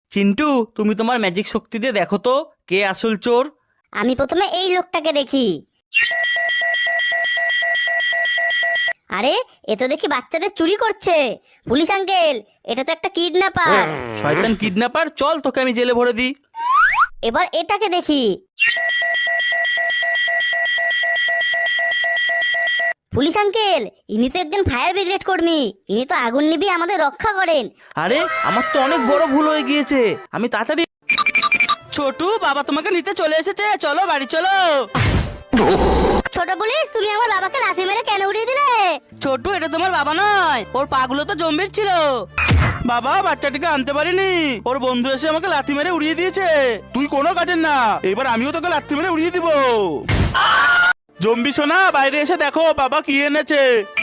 চিন্টু, তুমি তোমার ম্যাজিক শক্তি দিয়ে দেখো তো কে আসল চোর। আমি প্রথমে এই লোকটাকে দেখি। আরে এ তো দেখি বাচ্চাদের চুরি করছে। পুলিশ আঙ্কেল, এটা তো একটা কিডন্যাপার। শয়তান কিডন্যাপার, চল তোকে আমি জেলে ভরে দিই। এবার এটাকে দেখি। পুলিশ আঙ্কেল, ইনি তো একজন ফায়ার ব্রিগেড কর্মী। ইনি তো আগুন নিভিয়ে আমাদের রক্ষা করেন। আরে আমার তো অনেক বড় ভুল হয়ে গিয়েছে, আমি তাড়াতাড়ি। ছোটু, বাবা তোমাকে নিতে চলে এসেছে, চলো বাড়ি চলো। ছোট পুলিশ, তুমি আমার বাবাকে লাথি মেরে কেন উড়িয়ে দিলে? ছোটু, এটা তোমার বাবা নয়, ওর পাগুলো তো জম্বির ছিল। বাবা, বাচ্চাটিকে আনতে পারিনি, ওর বন্ধু এসে আমাকে লাথি মেরে উড়িয়ে দিয়েছে। তুই কোনো কাজের না, এবার আমিও তোকে লাথি মেরে উড়িয়ে দিব। জম্বি সোনা, বাইরে এসে দেখো বাবা কি এনেছে।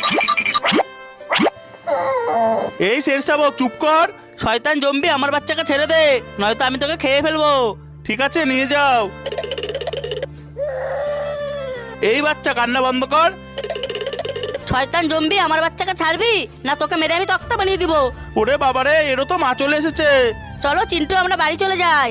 এই শের শাবক, চুপ কর। শয়তান জম্বি, আমার বাচ্চাকে ছেড়ে দে, নয়তো আমি তোকে খেয়ে ফেলবো। ঠিক আছে, নিয়ে যাও। এই বাচ্চা, কান্না বন্ধ কর। শয়তান জম্বি, আমার বাচ্চাকে ছাড়বি না তোকে মেরে আমি তক্তা বানিয়ে দিব। ওরে বাবারে, এরও তো মা চলে এসেছে। চলো চিন্টু, আমরা বাড়ি চলে যাই।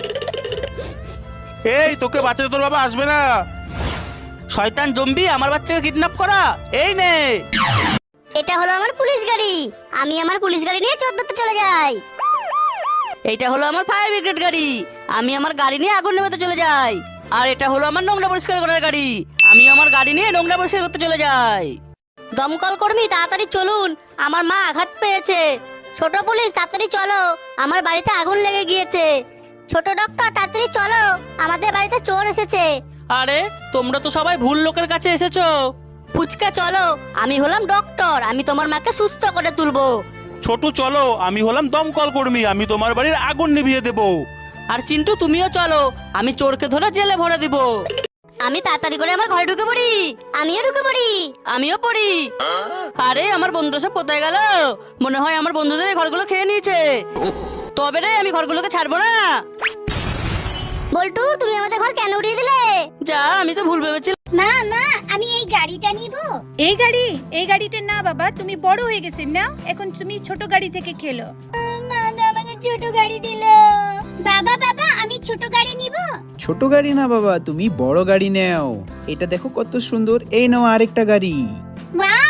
এই, তোকে বাঁচাতে তোর বাবা আসবে না। শয়তান জম্বি, আমার বাচ্চাকে কিডন্যাপ করা, এই নে। এটা হলো আমার পুলিশ গাড়ি। আমি আমার পুলিশ গাড়ি নিয়ে 14তে চলে যাই। এইটা হলো আমার ফায়ার ব্রিগেড গাড়ি, আমি আমার গাড়ি নিয়ে আগুন নেভাতে চলে যাই। আর এটা হলো আমার নোংরা পরিষ্কার করার গাড়ি, আমি আমার গাড়ি নিয়ে নোংরা পরিষ্কার করতে চলে যাই। দমকল কর্মী, তাড়াতাড়ি চলুন, আমার মা আঘাত পেয়েছে। ছোট পুলিশ, তাড়াতাড়ি চলো, আমার বাড়িতে আগুন লেগে গিয়েছে। ছোট ডক্টর, তাড়াতাড়ি চলো, আমাদের বাড়িতে চোর এসেছে। আরে তোমরা তো সবাই ভুল লোকের কাছে এসেছো। ফুচকা চলো, আমি হলাম ডক্টর, আমি তোমার মাকে সুস্থ করে তুলবো। ছোট চলো, আমি হলাম দমকল কর্মী, আমি তোমার বাড়ির আগুন নিভিয়ে দেব। আর চিন্টু তুমিও চলো, আমি চোরকে ধরে জেলে ভরে দিব। আমি তাড়াতাড়ি করে আমার ঘরে ঢুকে পড়ি। আমিও ঢুকে পড়ি। আমিও পড়ি। আরে আমার বন্ধুরা সব কোথায় গেল? মনে হয় আমার বন্ধুদের এই ঘরগুলো খেয়ে নিয়েছে। তবে রে, আমি ঘরগুলোকে ছাড়বো না। বল্টু, তুমি আমাদের ঘর কেন উড়িয়ে দিলে? যা, আমি তো ভুল ভেবেছিলাম। মা মা, আমি এই গাড়িটা নিব। এই গাড়িটা না বাবা, তুমি বড় হয়ে গেছেন না, এখন তুমি ছোট গাড়ি থেকে খেলো। মা তো আমাকে ছোট গাড়ি দিল। বাবা বাবা, আমি ছোট গাড়ি নিব। ছোট গাড়ি না বাবা, তুমি বড় গাড়ি নাও। এটা দেখো কত সুন্দর, এই নাও আরেকটা গাড়ি। ওয়াও,